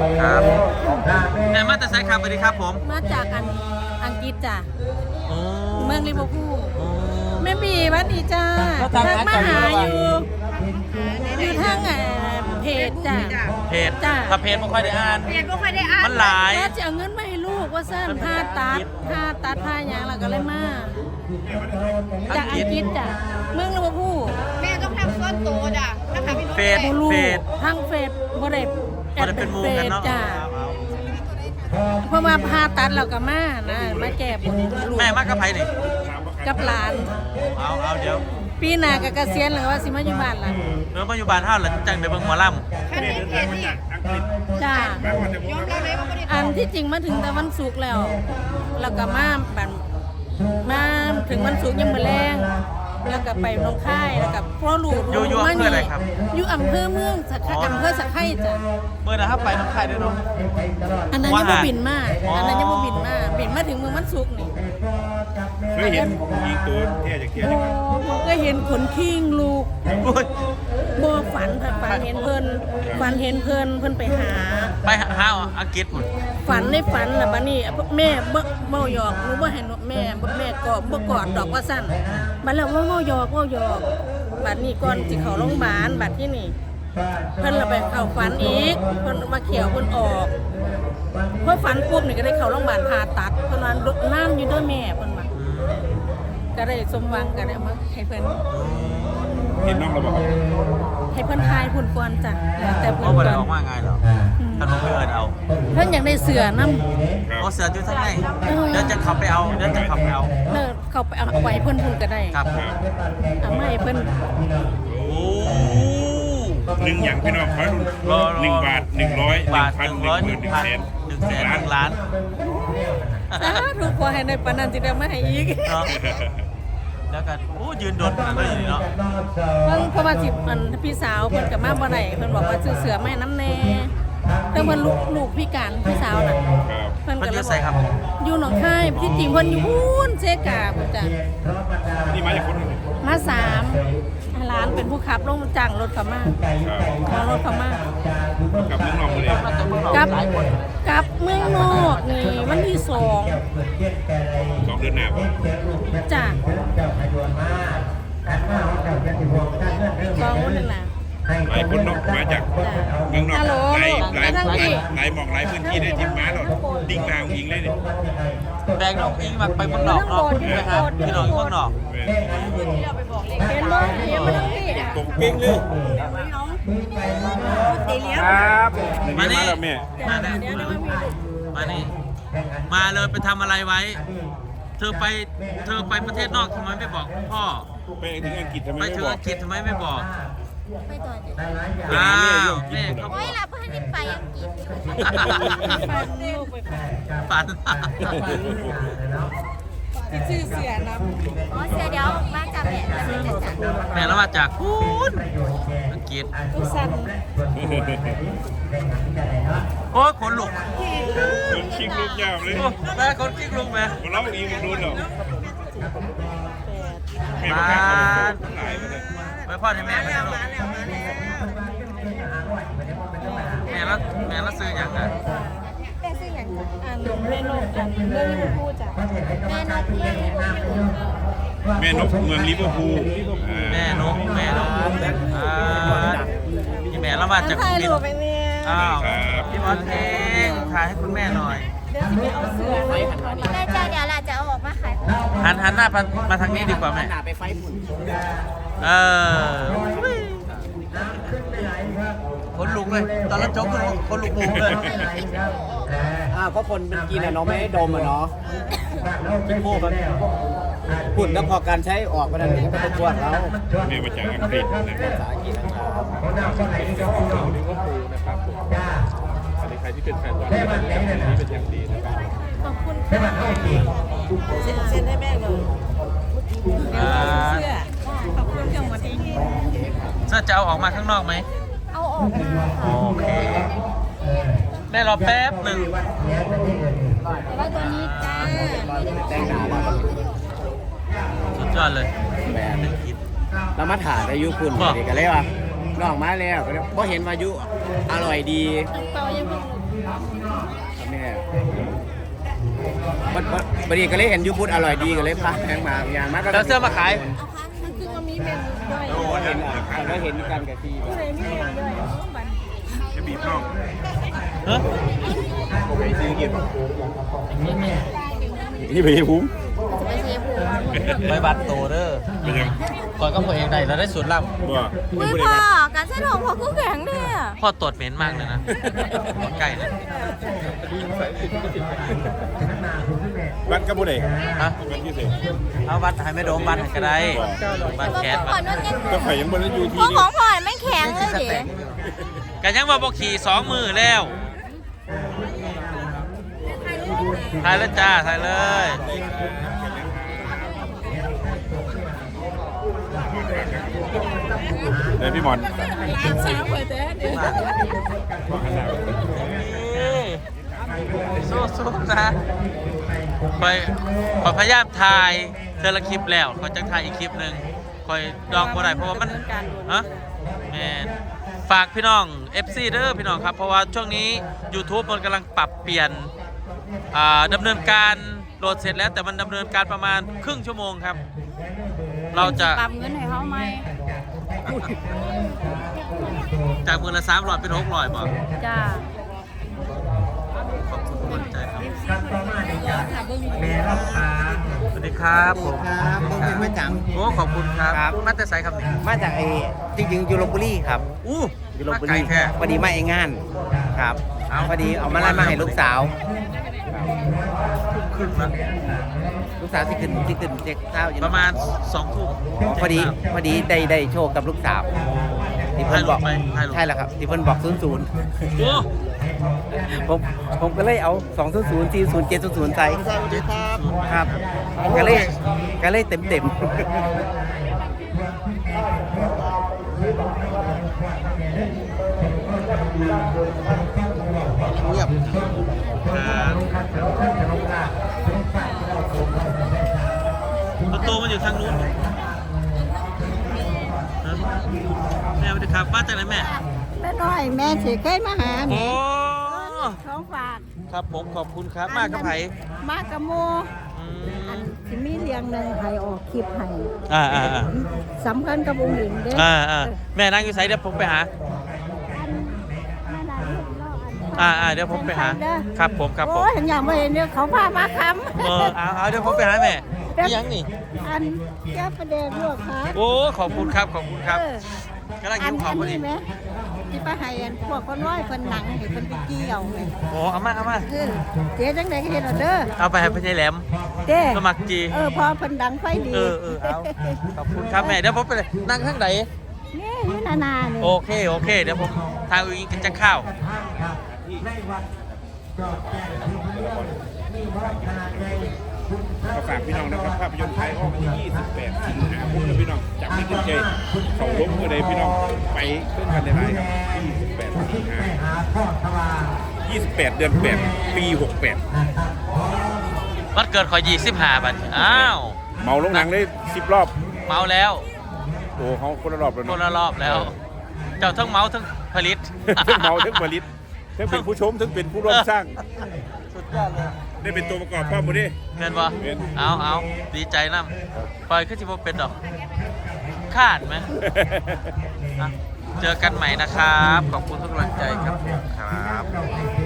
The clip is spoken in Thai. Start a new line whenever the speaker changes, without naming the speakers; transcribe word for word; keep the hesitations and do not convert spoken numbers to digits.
ครับแม่มาแต่ไซครับสวัสดีครับผม
มาจากอันอังกฤษจ้ะ
โอ้
เมืองลิเวอร์พูลแม่บีวัดดีจ้าทักมาหาอยู่อยู่ทางเพจจ้ะ
เพจจ้าถ้าเพจไม่ค่อยได้อ่าน
เพจไม่ค่อยได้อ่าน
มันหลาย
ว่าจะเอาเงินมาให้ลูกว่าสั้นผ้าตัดผ้าตัดผ้าอย่างแล้วก็เลยมาจากอังกฤษจ้ะเมืองลิเวอร์พูล
แม่ต้องทำส่วนตัวจ้ะนะคะพี่น้อง
เฟซ
เฟซทางเฟซบ่ได้
แอดเป็นมูกันเนาะ
เพราะว่าผ้าตัดเราก็มานะมาแก้บน
แม่มากกับไผ่นี่
กับหลาน
เอาเอาเดี๋ยว
ปีหน้าก็เกษียณหรือว่าสิมาอยู่บ้านล่ะ
เมื่อมาอยู่บ้านเฮาหลังจังได้เบิ่งหมอล
ำจ้าอันที่จริงมาถึงแต่วันศุกร์แล้วแล้วก็มาแบบมาถึงวันศุกร์ยังมื้อแรงแล้วก็ไปลงค่ายแล้วก็พ่อลูก
อยู่อยู่อำเภออะไรครับ
อยู่อำเภอเมืองสักอำเภอสักไข่จ้ะ
เมื่อนะครับไปน้องค่ายด้วยเนาะ
อันนั้นยังบ่บินมาอันนั้นยังบ่บินมาบินมาถึงเมืองวันศุกร์นี่
เคยเห็นยิงตัวเที่ยจากเที่ยจาก
ผมก็เห็นขนคิงลูกบ่ฝันฝันเห็นเพิ่นฝันเห็นเพิ่นเพิ่นไปหา
ไปหาอังกฤษพุ่น
ฝันในฝันล่ะบัดนี้แม่บ่เมาหยอกหนูบ่ให้แม่แม่กอดบ่กอดดอกว่าซั่นบัดแล้วว่าเมาหยอกเมาหยอกบัดนี้ก่อนสิเข้าโรงพยาบาลบัดที่นี่เพิ่นละไปเข้าฝันอีกเพิ่นมาเขียวเพิ่นออกพอฝันปุ๊บนี่ก็ได้เข้าโรงพยาบาลผ่าตัดเพิ่นว่าน้ำอยู่ด้วยแม่เพิ่นว่าก็ได้สมหวังก็ได้มาให้เพิ่น
เห็นน้องเราบอก
ให้เพิ่นทายพุ่นก่อนจ้ะแต่
เพิ่นบ่ได้ออกมาง่ายหรอกท่านบ่เอิ้นเอา
เพิ่นอยากได้เสือนำ
โอ้เสืออยู่ทางไหนเดี๋ยวจะขับไปเอาเดี๋ยวจะขับไปเอา
เออเข้าไปเอาไว้เพิ่นพุ่นก็ได้
ครับ
เอามาให้เพิ่น
โอ้
หนึ่งอย่างพี่น้องขอรุ่นหนึ่งบาทหนึ่งร้อยหนึ่งพันหนึ่งหมื่นหนึ่งแสน
หนึ่งแสนหนึ่งล้าน
ถูกพอให้ในปานนั้นสิได้มาให้อีก
แล้วกันโอ้ยืนโดดกันเลยเนาะ
เพิ่นเพราะว่าสิมันพี่สาวเพิ่นก็มาบ่ได้เพิ่นบอกว่าซื้อเสือมาให้น้ำแน่แต่เพิ่นลูกลูกพิการพี่สาวน่ะ
เพิ่นก็เลยใส่ครับ
อยู่หนองคายที่จริงเพิ่นอยู่พูนเซกาพุ่นจ้ะ
นี่มาจากคน
มาสามร้านเป็นผู้ขับลงจ้างรถเขามาขอรถเขามา
กับเมืองนอกเลย
กับกับเมืองนอกนี่วันที่สอง
สองเดือนหน้า
จ้ะสองวันนั่นแหละ
หลายคนนอกมาจากเมืองนอกหลายหลายหลายหมอกหลายพื้นที่ได้จิ้มม้าหรอดิ้งนางยิงเลยเนี่ย
แบงน้องอิงมาไปเมืองนอกเนาะไปหาพี่น้องอยู่เมืองนอก
เห็นบ่เห็นบ่ทั้งที่
ตกปิ้งเลยครับ
มานี่
แม่
มานี่มานี่มาเลยไปทำอะไรไว้เธอไปเธอไปประเทศนอกทำไมไม่บอกพ่อ
ไปถึงอังกฤษทำไม
ไปถึงอังกฤษทำไมไม่บอก
ไปต่อ
อ้าวแม่เขา
โอ้ยล่ะเพื่อนที่ไปอังกฤษ
ฝัน
ที่ชื่อเสียนะ
อ๋อเสียเดี๋ยวมาจากแม่จะไม่จะจัด
แม่แล้วมาจากพูนอังกฤษ
ทุกสัน
โอ้ยขนลุก
คนชิงลูกยาวเลย
แม่คนชิงลูกแม่
เราอีกมันโดนหรอแม่
มาไปพ่อให้แม่ไปแล้วแม่แล้วแม่แล้วซื้ออย่างไร
แม่ซื้ออย่าง
อ่านแม่นกอ่านเรื่องลิเวอร์พูลจ้ะ
แม่นกเรื่องลิเวอร์พูล
แม่นกเมืองลิเวอร์พูล
แม่นกแม่นกอ่าพี่แม่แล้วมาจาก
ถ่ายรูปไปเนี่ย
อ้าวพี่บอลเองถ่ายให้คุณแม่หน่อย
เดี๋ยวจะไปเอาเสือไปหันมาดิ
แม่จ้าเดี๋ยวเราจะเอาออกมาขาย
หันหันหน้ามาทางนี้ดีกว่าแม่
ไปไฟฝุ่น
เออคนลุกเลยตอนรับโจ๊กคนลุกมุมเลย
อ้าวก็คนเป็นกินอะเนาะไม่ให้ดมอะเนาะพี่โม่แบบฝุ่นก็พอการใช้ออกมาได้เลยก็เป็นตัวเรา
แม่มาจากอังกฤษนะภาษาอังกฤษนะครับอันนี้ใครที่เป็นแฟนบอลนี่เป็นอย่างดีนะครับ
ขอบคุณค่ะเซ็นเซ็นให้แม่เลยเสื้อขอบคุณจังหวัดนี้
เสื้อจะเอาออกมาข้างนอกไหม
เอาออกมา
โอเคแม่รอแป๊บหนึ่ง
แต่ว่าตัวนี้จ้า
แต่งหน้า
สุดยอดเลย
แม่เรามาถ่ายอายุคุณเด็กกันเลยว่ะน้องมาแล้วก็เห็นว่ายุอร่อยดี
เปล่ายังไม่
เนี่ยวันวันนี้ก็เลยเห็นยูพุทธอร่อยดีก็เลยพาแพงมาอย่างมากก็
แล้วเสื้อมาขาย
เอาค่ะมันคือว่ามีแม่ด้วย
โอ้เห็นอ่ะแล้วเห็นกันกับที่
ผู้ใดมีแม่ด้วยเอาบัด
จะบีบน้อง
เฮ้ย
ไปซื้อกินนี่ไปหุ้ม
จะไปเชฟผู
ไปบัตรโตเด้อ
ไปยัง
ก่อนก็พอเองได้เราได้สูตรลับ
บ่
อุ้ยพ่อการใช้ของพ่อคือแข็งเนี่ย
พ่อตรวจเหม็นมากเลยนะไก่เนี่ย
บัตรกับผู้ใด
ฮะ
บัตรที่เสก
เอาบัตรให้ไม่โดมบัตรให้ก็ได้บัตรแคส
พ่อ
บัตร
นั่นยัง
ก็ข่อยยังบ่ได้อยู่ที่
พ่อ
นี่
ของพ่อไม่แข็งเลยเด็ก
กันยังว่าบอกขี่สองมือแล้วถ่ายแล้วจ้าถ่ายเลย
เลยพี่หมอน
สู้ๆนะคอยคอยพยายามถ่ายเธอละคลิปแล้วคอยจะถ่ายอีกคลิปหนึ่งคอยดองบ่ได้เพราะว่ามันฮะแมนฝากพี่น้อง เอฟ ซี เด้อพี่น้องครับเพราะว่าช่วงนี้ YouTube มันกำลังปรับเปลี่ยนอ่าดำเนินการโหลดเสร็จแล้วแต่มันดำเนินการประมาณครึ่งชั่วโมงครับ เราจะ
ปรับเงินให้เขาไหม
จากมือละสามร้อยเป็นหกร้อยบ่
จ้า
ขอบคุณทุกคนใจครับสวัสดีครับผม
ครับผมเป็นมาจัง
โอ้ขอบคุณครับ
ครับ
มาแต่ไสครับนี่
มาจากไอ้จริงๆอยู่ลพบุรีครับ
อู้
อยู่ลพ
มา
บุ
ไกล
รี
แท้
พอดีมาเองงานครับ
เอา
พอดีเอามาไล่มาให้ลูกสาว
ขึ้นมา
ลูกสาวที่ขึ้นที่ขึ้นเจ็กเท้าอยู่
ประมาณสองทุ่ม
อ๋อพอดีพอดีได้ได้โชคกับลูกสาวที่เพิ่นบอก
ให้ลูกไปให้ลูก
ใช่แล้วครับที่เพิ่นบอกศูนย์ศูนย์
โอ้
ผมผมก็เลยเอาสองศูนย์ศูนย์สี่ศูนย์เจ็ดศูนย์ศูนย์ใส่ครับก็เลยก็เลยเต็มเต็ม เงียบ
ครับประตูมันอยู่ทางนู้นฮะแม่สวัสดีครับมาจากไหนแม่
แม่น้อยแม่สิเคยมาหา
โอ้
ของฝาก
ครับผมขอบคุณครับมากครับไผ่
มากระโม
อื
อั
ม
นสิมีเรียงหนึ่งให้ออกคลิปให้
อ่าอ่าอ่า
สำคัญกับองค์หญิงเด้
อ่าอ่าแม่นั่งอยู่ไสเดี๋ยวผมไปหา
อัน
อ่าอ่าเดี๋ยวผมไปหา ครับผมครับผม
โอ้ยเห็นอย่างไม่เห็นเนี่ยเขาพามาค
เออเอาเอาเดี๋ยวผมไปหาแม่นี่ยังนี่
ำอันแก้ประเด็นลวกครับ
โอ้ขอบคุณครับขอบคุณครับ
เออก
ำลัง
อั
หิ
น
วข้า
อั
วนพอดี
นี้ไหมที่ป้าให้อันพวกคนร้อยคนหนังให้คนไปเกี่ยวไง
โอ้เอามาเอามา
เออเจ๊จังไดก็เห็นเอาเด้อ
เอาไปให้พี่ชายแหลม
เจ๊
สมัครจี
เออพอเพิ่นดังไฟดี
เออเออเอาขอบคุณครับแม่เดี๋ยวผมไปเลยนั่งข้างไหน
นี่อยู่นานานี่
โอเคโอเคเดี๋ยวผมทางอุ้งกินจะข้าว
ก็ฝากพี่น้องนะครับภาพยนตร์ไทยออกวันที่ยี่สิบแปดสิงหาคมนะพี่น้องจากไม่ขึ้นใจเขาล้มก็เลยพี่น้องไปเพื่อนกันได้ไหมครับยี่สิบแปดสิงหายี่สิบแปดเดือนแปดปีหกแปด
วันเกิดขอยี่สิบห้าบาทอ้าว
เมาลงหนังได้สิบรอบ
เมาแล้ว
โอ้เขาคนละรอบเลย
คนละรอบแล้ว เจ้าทั้งเมาทั้งผลิต
ทั้งเมาทั้งผลิตทั้งเป็นผู้ชมทั้งเป็นผู้ร่วมสร้าง
สุดยอดเลย
ได้เป็นตัวประกอบพ่อหมดดิ
เงินบ่
เป็น
เอาเอาดีใจน้ำปล่อยขึ้นที่บ่เป็นดอกคาดไหมอ่ะเจอกันใหม่นะครับ ขอบคุณทุกกำลังใจครับครับ